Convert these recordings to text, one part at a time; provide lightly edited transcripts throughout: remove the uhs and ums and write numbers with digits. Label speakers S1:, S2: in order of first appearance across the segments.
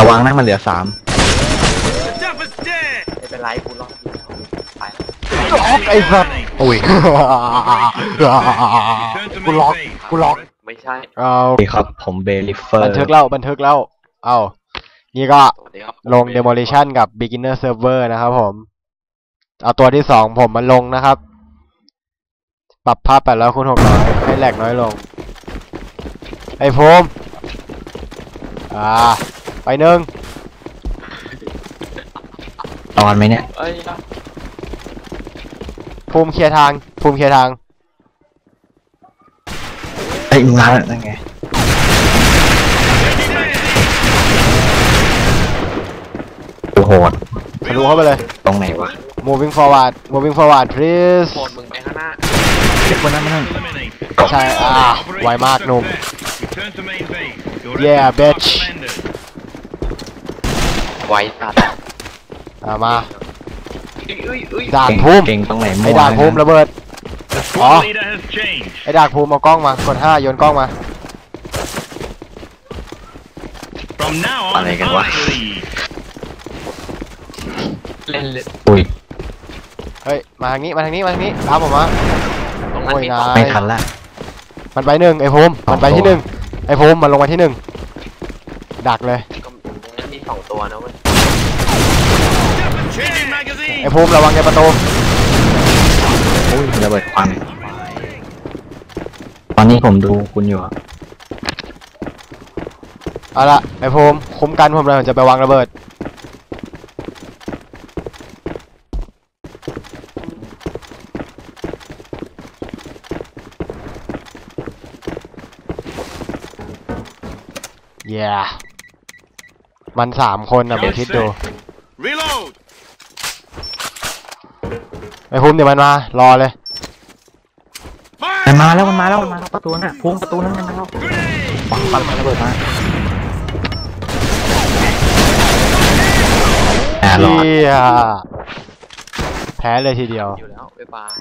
S1: วังนะมันเหลือ3
S2: ไม่เป็นไรกูรอดไป
S3: ไอ้สัสอุ้ยกูล็อก
S2: ไม่ใช่
S3: เอา
S1: ดีครับผมเบลิเฟอร์
S3: บันทึกแล้วเอานี่ก็ลง demolition กับ beginner server นะครับผมเอาตัวที่2ผมมาลงนะครับปรับภาพ800 คูณ 600ให้แหลกน้อยลงไอ้ภูมิไป1
S1: ตอนไหมเนี่ย
S3: ภูมิเคลียร์ทาง
S1: ไอ้มึงมาแล้วนั่นไงดูโหด
S3: ทะลุเข้าไปเลย
S1: ตรงไหนวะ
S3: moving forward please
S2: โหดมึงไปข้างหน้า
S1: เด็กคนนั้นนั่น
S3: ใช่ไวมากหนุ่ม yeah bitch
S2: ไวตัด
S3: มาด่านภูมิ
S1: เก่งตรงไหน
S3: ไอ้ด่านภูมิระเบิดไอ้ด่านภูมิเอากล้องมากด5โยนกล้องมา
S1: อะไรกันวะ
S2: เล่น
S1: อุ้ย
S3: เฮ้ยมาทางนี้ตามผมมาโอ้ยนาย
S1: ไม่ทันละ
S3: มันไป1ไอ้ภูมิมันไปที่1ไอ้ภูมิมันลงมาที่1ดักเลย
S2: ก็มี2ตัวนะเว้ย
S3: ไอ้ภูมิระวังในประตู
S1: อุ้ยระเบิดควันตอนนี้ผมดูคุณอยู่
S3: เอาละไอ้ภูมิคุ้มกันผมเลยผมจะไปวางระเบิดมัน3 คนนะผมคิดดูไอ้ภูมิเดี๋ยวมันมารอเลย
S1: มันมาแล้วประตูน่ะพุ่งประตูนั้นมันมาแล้วปังระเบิดมารอด
S3: แพ้เลยทีเดียว
S2: อยู่แล้วบ๊ายบาย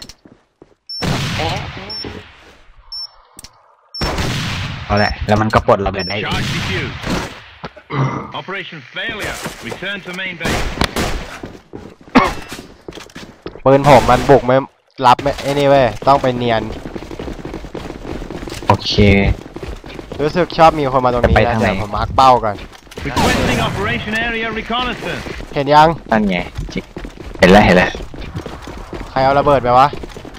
S1: เอาแหละแล้วมันก็ปลดระเบิดได้อีก
S3: ปืนผมมันบุกไม่รับไม่ไอ้นี่เว้ยต้องไปเนียน
S1: โอเค
S3: รู้สึกชอบมีคนมาตรงนี้นะแต่ผมมาร์คเป้ากันเห็นยัง
S1: นั่นไงเห็นแล้ว
S3: ใครเอาระเบิดไปวะ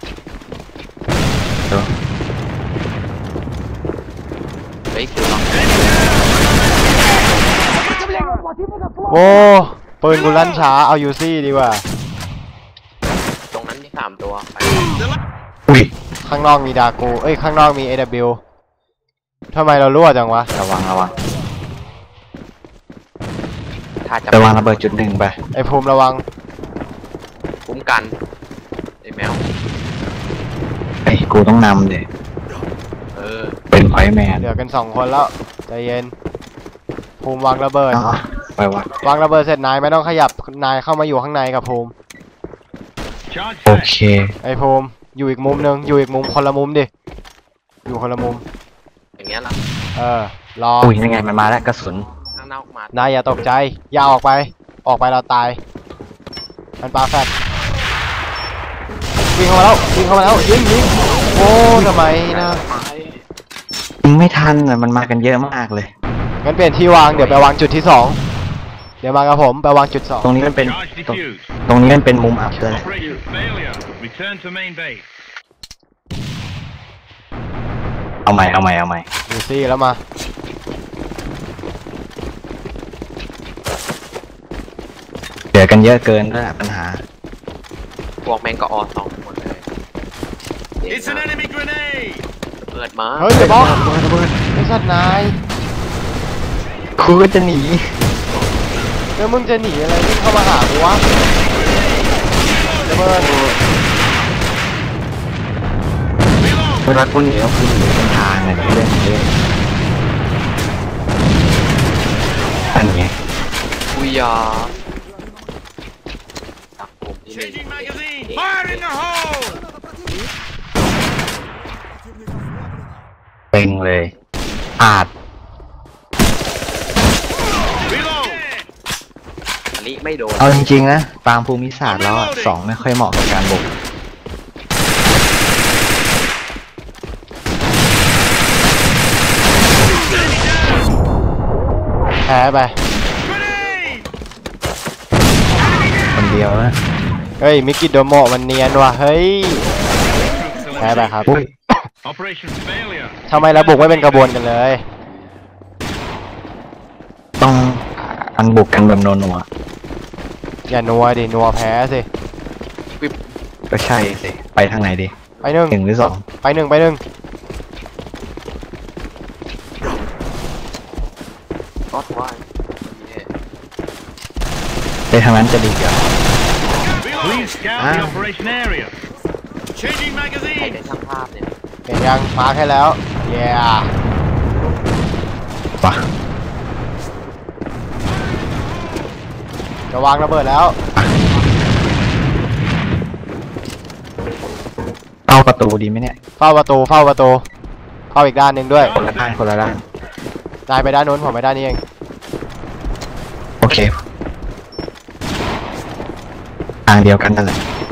S3: โอ้ปืนกูลั่นช้าเอายูซี่ดีกว่า
S2: ตรงนั้นมี3ตัว
S1: อุ้ย
S3: ข้างนอกมีดากูข้างนอกมี AW ทำไมเรารั่วจังวะ
S1: ระวังไปวางระเบิด1ไป
S3: ไอ้ภูมิระวัง
S2: คุ้มกันไอ้แมว
S1: กูต้องนำดิเป็นไฟแมน
S3: เหลือกัน2 คนแล้วใจเย็นภูมิวางระเบิด
S1: ไป
S3: วางระเบิดเสร็จนายไม่ต้องขยับนายเข้ามาอยู่ข้างในกับภูมิ
S1: โอเค
S3: ไอ้ภูมิอยู่อีกมุมนึงอยู่อีกมุมคนละมุมดิอยู่คนละมุม
S2: อย่างเงี้ยล่ะ
S3: รอ
S1: อุ้ยยังไงมันมาแล้วกระสุน
S3: นายอย่าตกใจอย่าออกไปเราตายมันปาแฟตวิ่งเข้ามาแล้วยิงโอ้ทำไมนะ
S1: ยิงไม่ทันมันมากันเยอะมากเลย
S3: งั้นเปลี่ยนที่วางเดี๋ยวไปวางจุดที่2เดี๋ยวมากับผมไปวางจุด2
S1: ตรงนี้มันเป็นมุมอับเลยเอาใหม่
S3: ดูซี่แล้วมา
S1: เหลือกันเยอะเกินนั่นแหละปัญหา
S2: พวกแมงกะออ2หมดเลยเปิดมา
S3: เฮ้ยเดี๋ยวบอกไอ้สัตว์นาย
S1: กูก็จะหนี
S3: แล้วมึงจะหนีอะไรวิ่งเข้ามาหากูวะระเบิด
S1: เวลากูหนีก็คือหนีเป็นทางไงเล่นอันไง
S2: กูยา
S1: เป่งเลยอาด
S2: นี้ไม่โดน
S1: เอาจริงๆนะตามภูมิศาสตร์แล้วอะ2ไม่ค่อยเหมาะกับการบุก
S3: แพ้ไป
S1: คนเดียวนะ
S3: เฮ้ยมิกิโดโมะมันเนียนว่ะเฮ้ยแพ้ไปครับ
S1: อุ้ย
S3: ทำไมเราบุกไม่เป็นกระบวนกันเลย
S1: ต้องอันบุกกันแบบนัว
S3: อย่านัวดินัวแพ้สิ
S1: ๆก็ใช่สิไปทางไหนดี
S3: ไปหนึ่ง
S1: 1หรือ
S3: ไปหนึ่งไปหนึ่ง
S2: ก็ว่า
S1: 2ไปทางนั้นจะดีกว่า
S4: Please scout the operation area. Changing
S2: ใคร
S4: magazine.
S2: ได้ช่างภาพเนี่ย
S3: เห็นยังมาร์คให้แล้วเย้
S1: ปะ
S3: จะวางระเบิดแล้ว
S1: เข้าประตูดีไหมเนี่ย
S3: เฝ้าประตูเฝ้าประตูเข้าอีกด้านหนึ่งด้วย
S1: คนละด้านคนละด้าน
S3: นายไปด้านนู้นผมไปด้านนี้เอง
S1: โอเคทางเดียวกันนั่นแหละ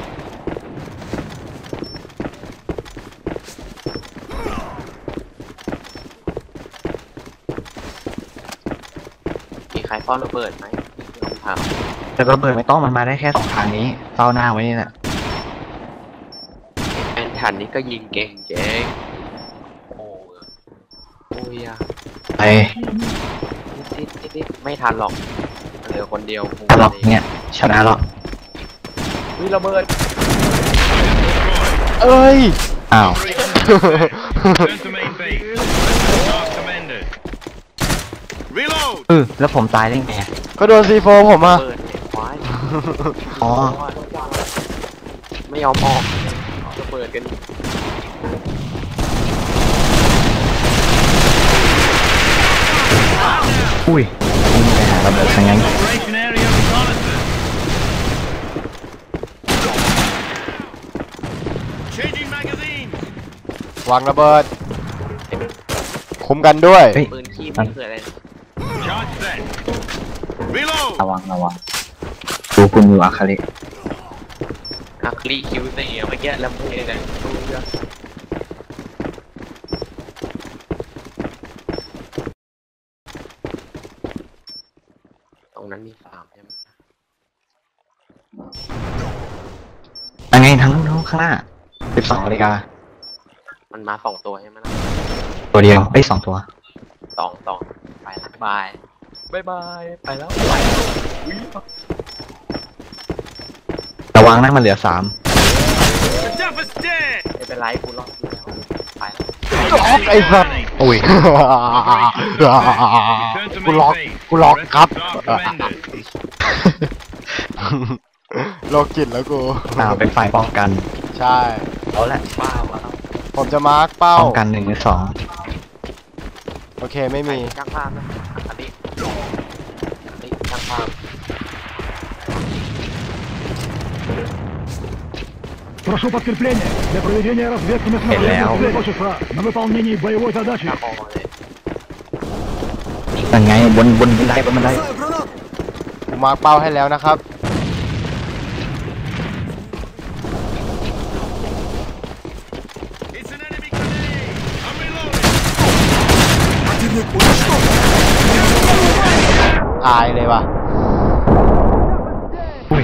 S2: มีใครเฝ้าระเบิดไหมลองถาม
S1: แต่ระเบิดไม่ต้องมันมาได้แค่2ทางนี้เฝ้าหน้าไว้นี่แหละ
S2: แอนทันนี้ก็ยิงเก่งเจ๊งโอ้ยอะ
S1: ไป
S2: นิดไม่ทันหรอกเหลือคนเดียว
S1: ตลอดเนี่ยชนะหรอก
S2: วิระเบิด
S3: เอ้ย
S1: อ้าว
S4: Turn to main base. Task amended. Reload.
S1: แล้วผมตายได้ไงอะ
S3: ก็โดนซีโฟผมอ่ะ
S2: เปิดเนี่ยควาย
S1: อ๋อ
S2: ไม่ยอมออกระเบิดกัน
S1: อุ้ยยิงไปหาระเบิดทางนั้น
S4: Operation area reconnaissance. Changing magazine.
S3: วางระเบิด คุ้มกันด้วย
S1: เฮ้ย
S2: ปืนขี้ไม่คืออะไร
S4: Charge set. Reload.
S1: ระวังดูคุณอยู่อาคาริ
S2: ฮักลี่คิวเเมื่อกี้ลำเพลนะตรงนั้นมีฟาร์มใช่ไหม
S1: ยังไงทั้งนู้นข้างหน้า12 นาฬิกา
S2: มันมา2 ตัวใช่ไหมล่ะ
S1: ตัวเดียวเอ้ย2 ตัว
S2: สองไปแล้วบายไปแล้ว
S1: ระวังนะมันเหลือ3
S4: The duff is dead.
S2: ไม่เป็นไรกูรอดอยู่แล้วไปแล้ว
S3: ไอ้สัส
S1: อุ้ย
S4: Return to
S3: กู
S4: main
S3: ล็อก
S4: base.
S3: กูล็อกครับ
S4: Task amended.
S3: โลกจิตแล้วกู
S1: เป็นฝ่ายป้องกัน
S3: ใช่
S1: เอาละ
S2: ว้าวว้าว
S3: ผมจะมาร์คเป้า
S1: ป้องกัน1 หรือ
S3: โอเคไม่มี
S2: ช่างภาพนะอันนี้ช่างภาพ
S5: Прошу подкрепление для проведения разведки местного преимущества на выполнении боевой задачи.
S2: ช่างพอเลย
S1: 2ยังไงบนบันได
S3: กูมาร์คเป้าให้แล้วนะครับ
S4: It's an enemy grenade. I'm reloading.
S3: ตายเลยว่ะ
S1: อุ้ย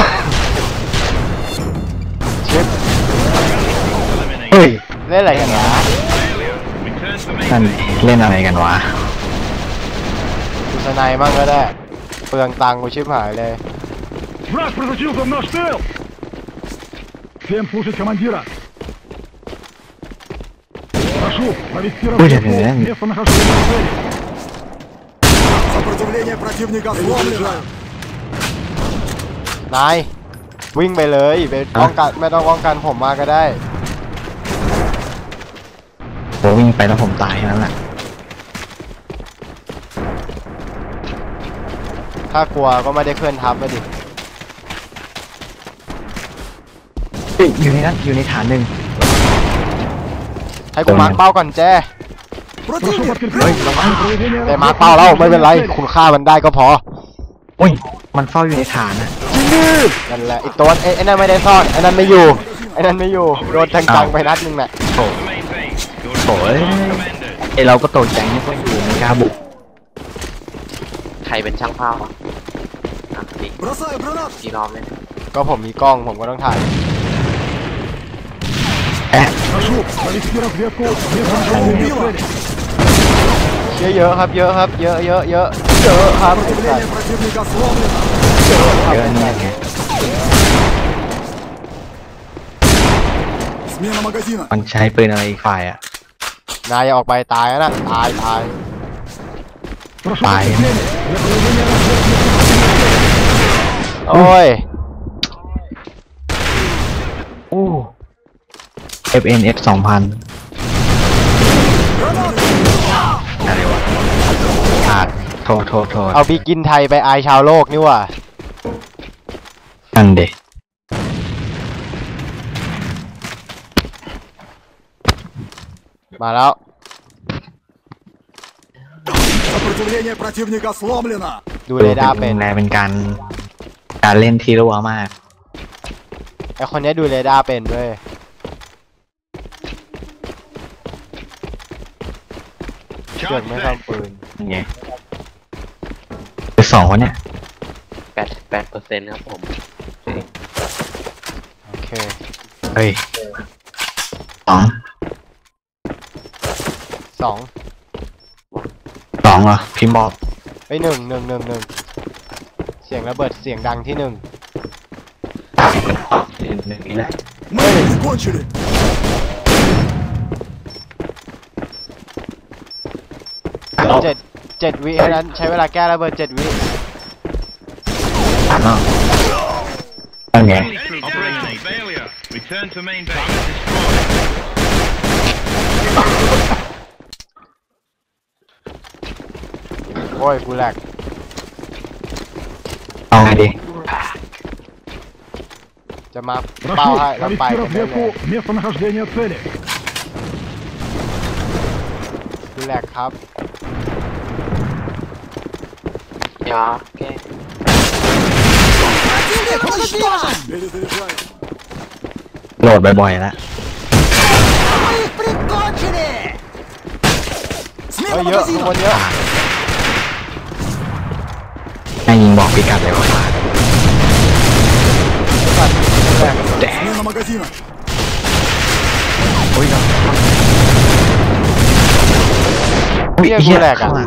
S3: ชิป
S4: Eliminate.
S1: เฮ้ย
S3: เล่นอะไรกันนะ
S4: Failure. Return to main
S1: นั่น
S4: base.
S1: เล่นอะไรกันวะ
S3: ดูสไนด์บ้างก็ได้ เปลืองตังค์กูชิบหายเลย
S5: Враг просочился в наш тыл! Всем слушать командира! Прошу провести разведку местонахождения цели.
S6: Сопротивление противника сломлено.
S3: นาย วิ่งไปเลยไปป้องกันไม่ต้องป้องกันผมมาก็ได้
S1: ผมวิ่งไปแล้วผมตายแค่นั้นแหละ
S3: ถ้ากลัวก็ไม่ได้เคลื่อนทัพไปดิ
S1: เฮ้ยอยู่ในนั้นอยู่ในฐานหนึ่ง
S3: ให้กูมาร์คเป้าก่อนแจ้
S5: Прошу
S6: Противник!
S5: подкрепление для проведения
S3: แต่มาร์คเป้าแล้วไม่เป็นไร คุณฆ่ามันได้ก็พอ
S1: อุ้ยมันเฝ้าอยู่ในฐานนะ
S3: นั่นแหละไอ้ตัวไอ้นั่นไม่ได้ซ่อนไอ้นั่นไม่อยู่ไอ้นั่นไม่อยู่โดนจังๆไปนัดนึงน่ะ
S1: โถ
S4: The main base. Your
S1: โถเอ้ย
S4: commanders.
S1: ไอเราก็ตกใจนี่ก็อยู่ในกล้าบุก
S2: ใครเป็นช่างภาพอ่ะนี่
S6: Бросаю гранат!
S2: กี่รอบเลย
S3: ก็ผมมีกล้องผมก็ต้องถ่าย
S5: Прошу, провести разведку местонахождения цели.
S3: เยอะๆครับเยอะครับเยอะเยอะเยอะเยอะครับ
S6: Сопротивление противника сломлено!
S1: เยอะนี่ไง
S6: Смена магазина!
S1: มันใช้ปืนอะไรอีกฝ่ายอ่ะ
S3: นายอย่าออกไปตายนะตาย
S5: Прошу
S1: Файн.
S5: подкрепление для проведения разведки.
S3: โอ้ย
S1: โอ้ FNF 2000 อะไรวะขาดโทษ
S3: เอาบีกินไทยไปอายชาวโลกนี่ว่ะ
S1: นั่นเด็ก
S3: มาแล้ว
S6: Сопротивление противника сломлено!
S3: ดูเรดาร์เป็น
S1: เป็นการเล่นที่รัวมาก
S3: ไอคนนี้ดูเรดาร์เป็นด้วย เกิด
S4: Charge
S3: ไม่
S4: set.
S3: ทำปืน
S1: นี่ไงคือสองคนเนี่ย
S2: 8% ครับผม
S3: โอเค
S1: เฮ้ยสอง
S3: สอง
S1: เหรอพิมพ์บอก
S3: ไปหนึ่งเสียงระเบิดเสียงดังที่หนึ่ง
S1: หนึ่งนี่แหละ
S6: Мы не кончили!
S3: เจ็ดวิเท่านั้นใช้เวลาแก้ระเบิด7 วิ
S1: เนาะนั่นไง
S4: Operation failure. Return to main base. Destroy.
S3: โอ้ยกูแหลก
S1: เอาไงดี
S3: จะมาเป้า
S5: Прошу
S3: ให้เราไป
S5: провести
S3: กันได้เลย
S5: разведку местонахождения цели.
S3: กูแหลกครับ
S2: อย่าแก้
S6: Перезаряжай!
S1: โหลดบ่อยๆแล้ว
S3: เฮ้ยเยอะข้างบนเยอะ
S1: ให้ยิงบอกพิกัดเลยว่า
S3: แหลก
S6: Смена магазина!
S1: อุ้ย
S3: เฮียกูแหลกอ่ะ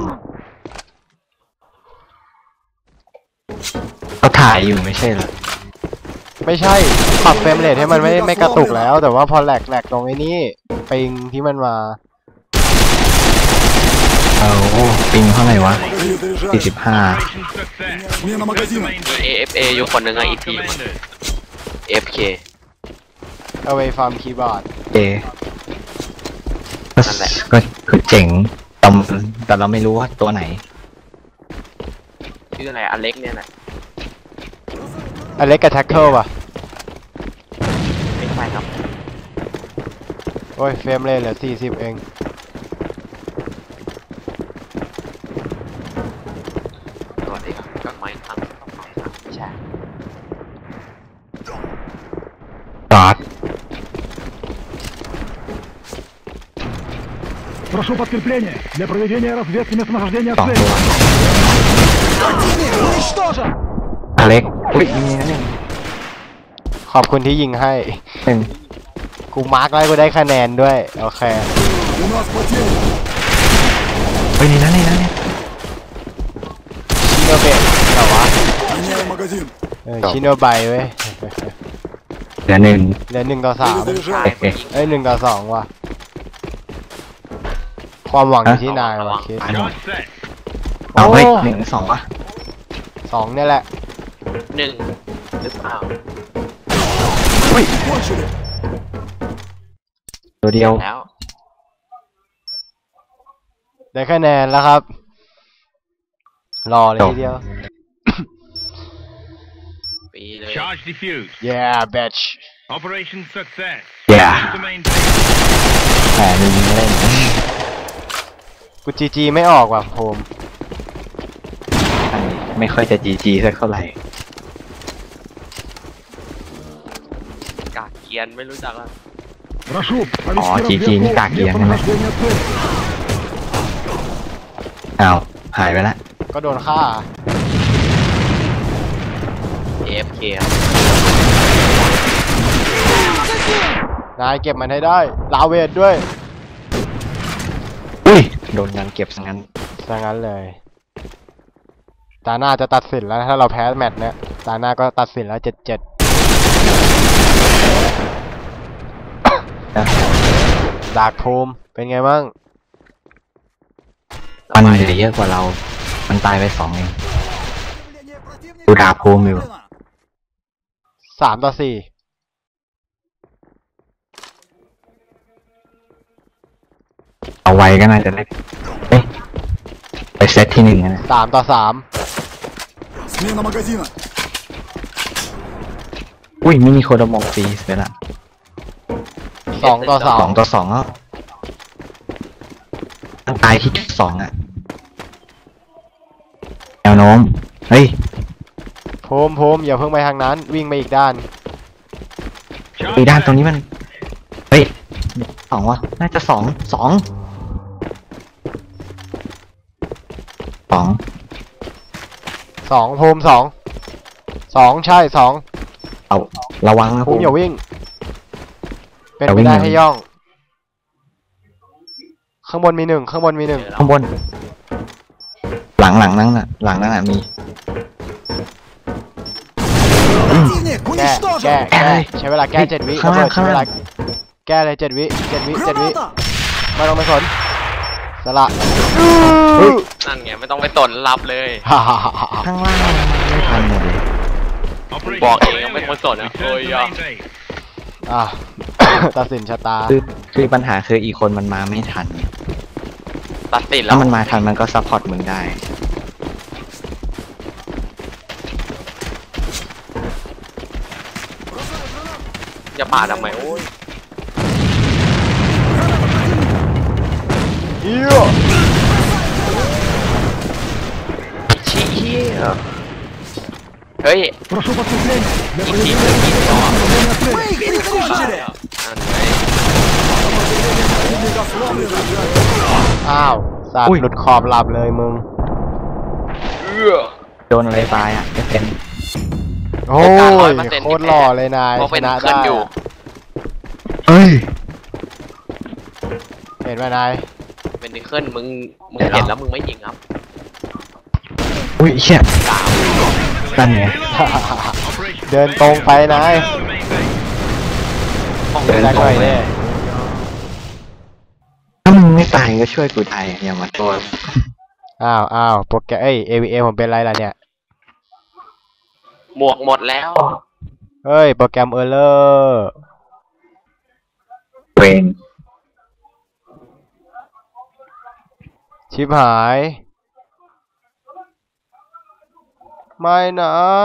S1: เขาถ่ายอยู่ไม่ใช่เหรอ
S3: ไม่ใช่ปรับเฟรมเรทให้มันไม่กระตุกแล้ว แต่ว่าพอแหลกตรงไอ้นี่ปิงที่มันมา
S1: เอาปิงเท่าไหร่วะ
S6: Перезаряжай!
S1: 45
S4: Operation success.
S6: Смена
S4: Return to
S6: магазина!
S4: main base.
S2: AFA อยู่คนหนึ่งอะอีกที
S4: Commanders.
S2: FK
S3: away from keyboard
S1: เจ
S2: นั่นแหละ
S1: ก็คือเจ๋งแต่เราไม่รู้ว่าตัวไหน
S2: ชื่ออะไรอเล็กเนี่ยแหละ
S3: อเล็กกับแท็กเกิลป่ะ
S2: ไม่ใช่ครับ
S3: โอ้ยเฟรมเรทเหลือ40เอง
S2: สวัสดีครับกลับมาอีกครั้งใช่
S1: จอด
S5: Прошу подкрепление для проведения разведки местонахождения
S1: สอง
S5: цели.
S1: ตัวอเล็กอุ้ยนี่นะ
S3: ขอบคุณที่ยิงให้
S1: หนึ่ง
S3: กูมาร์กไว้กูได้คะแนนด้วย โอเค
S6: У нас потери!
S1: เฮ้ยนี่นะเนี่ย
S3: ชิโนเบะแต่ว่า
S6: Меняю магазин!
S3: ชิโนไบเว้ย
S1: เหลือหนึ่ง
S3: เหลือ1 ต่อ 3
S2: ใช่
S6: Перезаряжай!
S2: ผู้หญิง
S3: เอ้ย1 ต่อ 2 ว่ะ ความหวังอยู่ที่นายว่ะคิด
S4: Charge set.
S1: เอาเฮ้ย
S3: โอ้
S1: หนึ่งสองวะ
S3: 2เนี่ยแหละ
S2: หนึ่งหรือเปล่า
S6: Кончили!
S1: ตัวเดียว
S2: แล้ว
S3: ได้คะแนนแล้วครับ รอเลยทีเดียว
S2: ปีเลย
S4: Charge defused.
S3: yeah bitch
S4: Operation success.
S1: Yeah.
S4: Return to main base.
S1: แต่หนึ่งเล่น
S3: กูจีไม่ออกว่ะโฮม
S1: ไไม่ค่อยจะจีจีสักเท่าไหร่
S2: กากเกียนไม่รู้จักละ
S5: Прошу,
S1: О,
S5: провести
S1: GG, не
S5: разведку
S1: как я,
S5: местом
S1: не
S5: нахождения цели.
S1: อ้าวหายไปละ
S3: ก็โดนฆ่า
S2: AFK
S3: นายเก็บมันให้ได้ลาเวทด้วย
S1: อุ้ยโดนยังเก็บซะงั้น
S3: ซะงั้นเลยตาหน้าจะตัดสินแล้วถ้าเราแพ้แมตช์เนี้ยตาหน้าก็ตัดสินแล้ว7-7ดาร์กภูมิเป็นไงบ้าง
S1: มันเหลือเยอะกว่าเรา มันตายไป2เอง
S6: Противника
S1: Куда, помню.
S6: подавлено.
S3: 3-4
S1: เอาไว้ก็น่าจะเล็กเอ๊ะไปเซตที่1นะ
S3: 3-3
S6: Смена магазина.
S1: อุ้ยมินิโคโดโมะฟรีเสร็จละ
S3: 2-2
S1: 2-2แล้วมันตายที่จุด2อ่ะแนวโน้มเฮ้ย
S3: ภูมิอย่าเพิ่งไปทางนั้นวิ่งไปอีกด้าน
S1: อีด้านตรงนี้มันเฮ้ย2วะน่าจะ2
S3: ภูมิ2ใช่2
S1: เอาระวังนะ
S3: ภูมิอย่าวิ่ง เป็น
S1: อย่า
S3: ไป
S1: วิ่ง
S3: ได้
S1: อย่า
S3: ให้ย่อง ข้างบนมี1ข้างบนมี1
S1: ข้างบน หลังนั่นน่ะมี
S6: Противник
S3: แก้
S6: уничтожен.
S3: ใช้เวลาแก้7 วิ
S1: ข้างล่าง
S3: ใช้เวลาแก้เลย7 วิ
S6: Граната.
S3: ไม่ต้องไปสนสละ
S2: นั่นไงไม่ต้องไปสนรับเลย
S3: ฮ่าฮ่าฮ่าฮ่า
S1: ข้างล่างไม่ทันหมดเลย
S4: Operation
S2: บอกเอง
S4: failure.
S2: ไม่ควรสนนะ
S4: Return
S2: โอ้ย
S4: to
S2: อ่ะ
S4: main base.
S3: อ่ะ ตัดสินชะตา
S1: คือปัญหาคืออีกคนมันมาไม่ทัน
S2: ตัดสินแล้
S1: ถ้าว มันมาทันมันก็ซัพพอร์ตมึงได้
S2: อย่าปาดทำไมโอ้ย
S3: เยี่ย
S2: ชี้เหี้ยเฮ้ย
S5: Прошу подкрепление для
S2: อีกที
S5: проведения
S2: อีกที
S5: нахождения цели.
S6: Мы их прикончили.
S2: นั่นไง
S6: Противника сломлено.
S3: อ้าวสัต
S1: อุ้
S3: ว์
S1: ย
S3: หลุดขอบหลับเลยมึง
S1: โดนอะไรตายอ่ะไม่เป็น
S3: โอ้ย
S2: โอกาส 100%
S3: โคตรหล่อเลยนาย
S2: เพราะ
S3: ช
S2: เป็น
S3: นะ
S2: ขึ้
S3: ได้
S2: นอยู่
S1: เฮ้ย
S3: เห็นไหมนาย
S2: เป็นดิเคิลมึงเห็นแล้วมึงไม่ยิงครับ
S1: อุ้ยเชี่ย
S2: กล่าว
S1: นั่นไง
S4: Operation
S3: เดินตรงไปนาย
S4: failure. To main base.
S1: เดิน
S3: แจ็ค
S1: ตร
S3: ห
S1: ง
S3: น่อย
S1: เล
S3: เด้
S1: ยถ้ามึงไม่ตายก็ช่วยกูตายอย่ามาตัว
S3: อ้าวโปรแกรมAVM ผมเป็นไรล่ะเนี่ย
S2: หมวกหมดแล้ว
S3: เฮ้ย โปรแกรมเออร์เลอร์
S1: เวง
S3: ชิบหาย ไม่นะ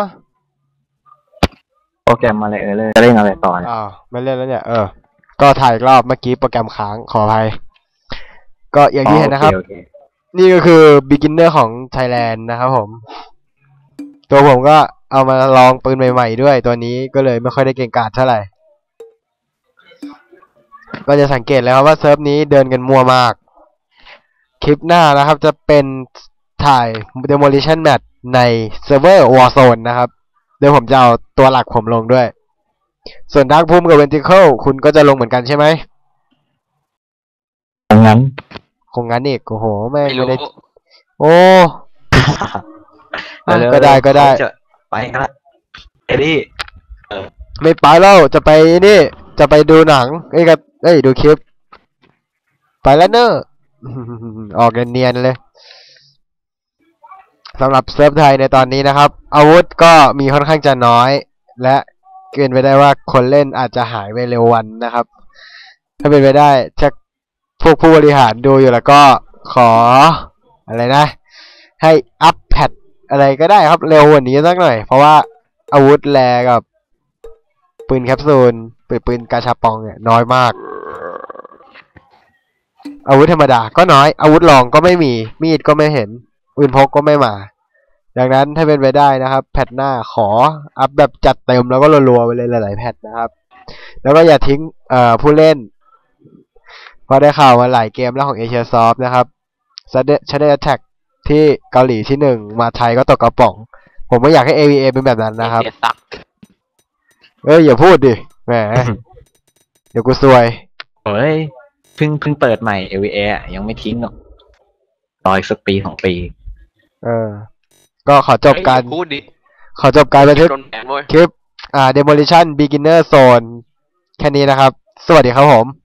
S1: โปรแกรมอะไรเลยจะเล่นอะไรต่อเนี่ย
S3: อ้าวไม่เล่นแล้วเนี่ย ก็ถ่ายอีกรอบเมื่อกี้โปรแกรมค้างขออภัย ก็อย่างที่เห็นนะครับ
S1: โอเค
S3: นี่ก็คือ beginner ของ Thailand นะครับผม ตัวผมก็เอามาลองปืนใหม่ๆด้วย ตัวนี้ก็เลยไม่ค่อยได้เก่งกาจเท่าไหร่ ก็จะสังเกตแล้วครับว่าเซิร์ฟนี้เดินกันมัวมาก คลิปหน้านะครับจะเป็นถ่าย demolition match ในเซิร์ฟเวอร์ Warzone นะครับโดยผมจะเอาตัวหลักผมลงด้วย ส่วน Dark Room กับ Ventricle คุณก็จะลงเหมือนกันใช่ไหม
S1: ดังนั้น
S3: คงงั้นอีกโอ้โหแม่ง
S2: ไม่
S3: ไม่
S2: รู้
S3: ได้ โอ้
S1: เร็ว
S3: ก็ได้ก็ได้
S1: จะไปกันละเอ็ดดี้
S3: ไม่ไปแล้วจะไปนี่ จะไปดูหนังดูคลิป ไปแล้วเนอะ ออกเนียนๆเลยสำหรับเซิร์ฟไทยในตอนนี้นะครับ อาวุธก็มีค่อนข้างจะน้อย และเกินไปได้ว่าคนเล่นอาจจะหายไปเร็ววันนะครับ ถ้าเป็นไปได้ถ้าพวกผู้บริหารดูอยู่แล้วก็ขออะไรนะ ให้อัพแพทอะไรก็ได้ครับเร็วกว่านี้สักหน่อย เพราะว่าอาวุธแลกับปืนแคปซูลปืนกาชาปองเนี่ยน้อยมาก อาวุธธรรมดาก็น้อยอาวุธรองก็ไม่มีมีดก็ไม่เห็นปืนพกก็ไม่มาดังนั้นถ้าเป็นไปได้นะครับ แพทหน้าขออัพแบบจัดเต็มแล้วก็รัวๆไปเลยหลายๆแพทนะครับ แล้วก็อย่าทิ้งผู้เล่นเพราะได้ข่าวมาหลายเกมแล้วของ Asia Soft นะครับ Shadow Attack ที่เกาหลีที่ 1 มาไทยก็ตกกระป๋อง ผมไม่อยากให้ AVA เป็นแบบนั้นนะครับ
S2: เอเชียซัก
S3: อย่าพูดดิแหม เดี๋ยวกูซวย
S1: เฮ้ยเพิ่งเปิดใหม่ LVA อะยังไม่ทิ้งหรอกรออีกสักปี2 ปี
S3: ก็ขอจบการ
S2: พูดดิ
S3: บันทึก
S2: โดนแบนเว้ย
S3: คลิปDemolition Beginner Zone แค่นี้นะครับ สวัสดีครับผม